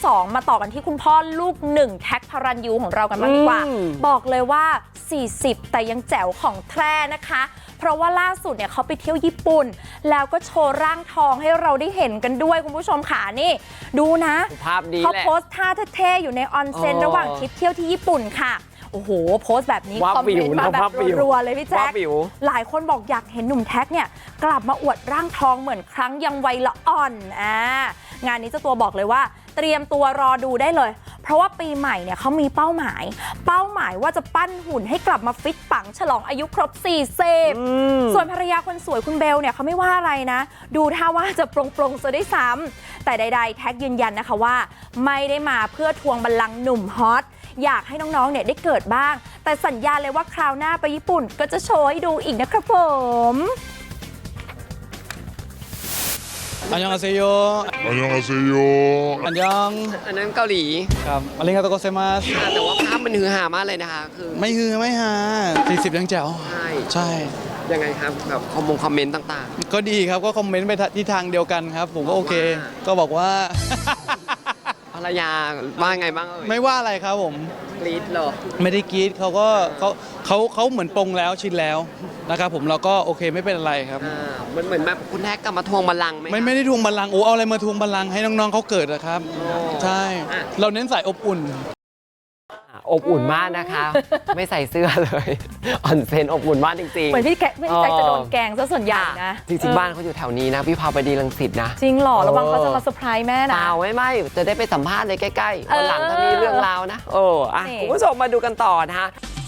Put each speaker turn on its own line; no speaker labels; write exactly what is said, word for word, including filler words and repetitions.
องมาต่อกันที่คุณพ่อลูกหนึ่งแท็กพารันยูของเรากันบ้างดีกว่าบอกเลยว่าสี่สิบแต่ยังแจ๋วของแท้นะคะเพราะว่าล่าสุดเนี่ยเขาไปเที่ยวญี่ปุ่นแล้วก็โชว์ร่างทองให้เราได้เห็นกันด้วยคุณผู้ชมค่ะนี่ดูนะ
ภาพดี
เขาโพสท่าเท่ๆอยู่ในออนเซ็นระหว่างทริปเที่ยวที่ญี่ปุ่นค่ะโอ้โหโพสต์แบบนี้คอมเมนต์มาแบบรัวๆเลยพี่แจ๊คหลายคนบอกอยากเห็นหนุ่มแท็กเนี่ยกลับมาอวดร่างทองเหมือนครั้งยังวัยละอ่อนอ่างานนี้เจ้าตัวบอกเลยว่าเตรียมตัวรอดูได้เลยเพราะว่าปีใหม่เนี่ยเขามีเป้าหมายเป้าหมายว่าจะปั้นหุ่นให้กลับมาฟิตปังฉลองอายุครบสี่สิบส่วนภรรยาคนสวยคุณเบลเนี่ยเขาไม่ว่าอะไรนะดูท่าว่าจะปรงๆซะได้ซ้ำแต่ใดๆแท็กยืนยันนะคะว่าไม่ได้มาเพื่อทวงบัลลังก์หนุ่มฮอตอยากให้น้องๆเนี่ยได้เกิดบ้างแต่สัญญาเลยว่าคราวหน้าไปญี่ปุ่นก็จะโชว์ให้ดูอีกนะครับผม
อันยองอาเซโย
อันยองอาเซโย
อันยอง
อันนั้นเกาหลี
ครับอาริงาโตโกเซมัส
แต่ว่าภาพมันฮือฮามากเลยนะคะคือ
ไม่ฮือไม่ฮาสี่สิบยังแจ๋ว
ใช่
ใช่
ยังไงครับแบบคอมมงคอมเมนต์ต่าง
ๆก็ดีครับก็คอมเมนต์ไปที่ทางเดียวกันครับผมก็โอเคก็บอกว่า
ภรรยาว่าไงบ้างเอ่ย
ไม่ว่าอะไรครับผม
กรี๊ดเหรอ
ไม่ได้กรี๊ดเขาก็เขาเขาเขาเหมือนปรงแล้วชินแล้วนะครับผมเราก็โอเคไม่เป็นอะไรครับ
เหมือนเหมือนแบบคุณแท็กกลับมาทวงบัลลังก์ไหม
ไม่ไม่ได้ทวงบัลลังก์โอ้เอาอะไรมาทวงบัลลังก์ให้น้องๆเขาเกิดนะครับใช่เราเน้นใส่อบอุ่น
อบอุ่นมากนะคะไม่ใส่เสื้อเลยออนเซนอบอุ่นมากจริงๆ
เหมือนพี่แกพี่แจ็คจะโดนแกงซะส่วนใหญ่นะ
จริงๆบ้านเขาอยู่แถวนี้นะพี่พาไปดีรังสิตนะ
จริงหรอระวังเขาจะมาเซอร์ไพรส์แม่นะ
เปล่าไม่ไม่จะได้ไปสัมภาษณ์เลยใกล้ๆวันหลังถ้ามีเรื่องราวนะโอ้อ่ะคุณผู้ชมมาดูกันต่อนะคะ